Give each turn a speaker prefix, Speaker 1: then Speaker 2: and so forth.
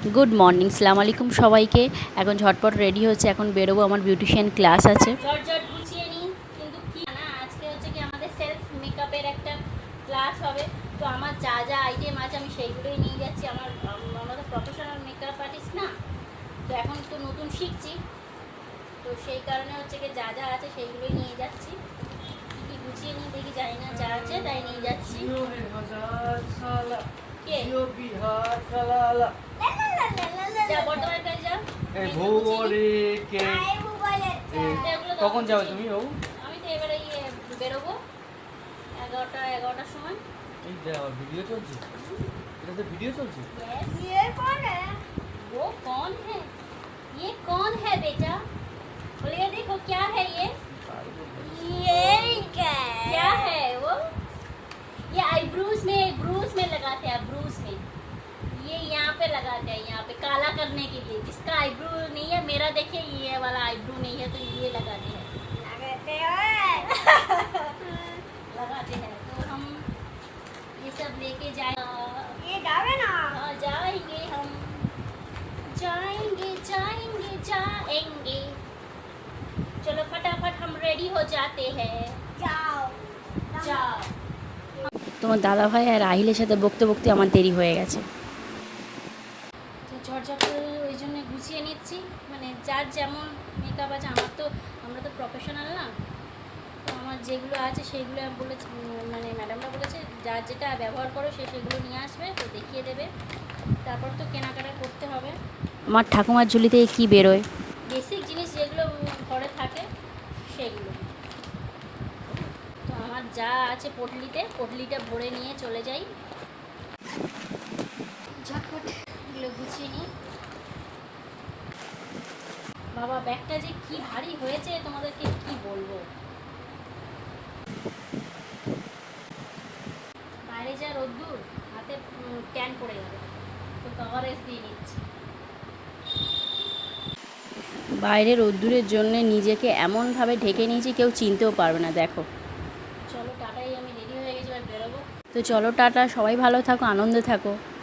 Speaker 1: Good morning, সালাম আলাইকুম সবাইকে। এখন ঝটপট রেডি হচ্ছে, এখন বেরোবো, আমার বিউটিশিয়ান ক্লাস আছে।
Speaker 2: ঝটঝট গুছিয়ে নিই, কিন্তু কি না আজকে হচ্ছে কি আমাদের সেলফ মেকআপের একটা ক্লাস হবে। তো আমার যা যা আইটেম আছে আমি সেইগুলোই নিয়ে যাচ্ছি। আমরা তো প্রফেশনাল মেকআপ আর্টিস্ট না, তো এখন তো নতুন শিখছি, তো সেই কারণে হচ্ছে কি যা যা আছে সেইগুলোই নিয়ে যাচ্ছি। কি গুছিয়ে নিই দেখি, জানি না যা আছে তাই নিয়ে যাচ্ছি। কে যা বর্তমানে কাজ যা
Speaker 3: কখন যাবে তুমি?
Speaker 2: আমি তো এবারে বেরোবো 11টার সময়।
Speaker 3: এই ভিডিও চলছে, এটাতে ভিডিও চলছে।
Speaker 2: ये कौन है? वो कौन है? ये कौन है बेटा? बोलिए देखो क्या है ये क्या है वो? ये आईब्रोज में लगाते हैं, आईब्रोज में ये यहाँ पे लगाते हैं, यहाँ पे काला करने के लिए। जिसका आईब्रो नहीं है, मेरा देखिए ये वाला आईब्रो नहीं है, तो ये लगाते हैं लगाते हैं। तो हम ये सब लेके जाए,
Speaker 4: ये जावे ना।
Speaker 2: हाँ जाएंगे हम, जाएंगे जाएंगे जाएंगे। चलो फटाफट हम रेडी हो जाते हैं।
Speaker 4: जाओ
Speaker 2: जाओ।
Speaker 1: তোমার দাদাভাই আর রাহিলের সাথে বকতে বকতে আমার দেরি হয়ে গেছে।
Speaker 2: তো ঝটঝট করে ওই জন্য গুছিয়ে নিচ্ছি, মানে যার যেমন মেকআপ আছে। আমরা তো প্রফেশনাল না, তো আমার যেগুলো আছে সেইগুলো বলেছে, মানে ম্যাডামরা বলেছে যার যেটা ব্যবহার করো সেগুলো নিয়ে আসবে, তো দেখিয়ে দেবে। তারপর তো কেনাকাটা করতে হবে।
Speaker 1: আমার ঠাকুমার ঝুলি থেকে কী বেরোয়?
Speaker 2: বেসিক জিনিস যেগুলো ঘরে থাকে সেগুলো। তো আমার যা আছে পটলিটা ভরে নিয়ে চলে যাই। ঝটপট এগুলো গুছিয়ে নিই। বাবা ব্যাগটা যে কি ভারী হয়েছে তোমাদেরকে কি বলবো। বাইরে যা রোদ্দুর, হাতে ট্যান পড়ে যাবে, তো কভারেজ দিয়ে নিচ্ছি।
Speaker 1: বাইরের রোদ্দুরের জন্য নিজেকে এমনভাবে ঢেকে নিয়েছি কেউ চিনতেও পারবে না। দেখো,
Speaker 2: চলো টাটাই, আমি রেডি হয়ে গেছি, এবার বেরোবো।
Speaker 1: তো চলো টাটা, সবাই ভালো থাকো, আনন্দে থাকো।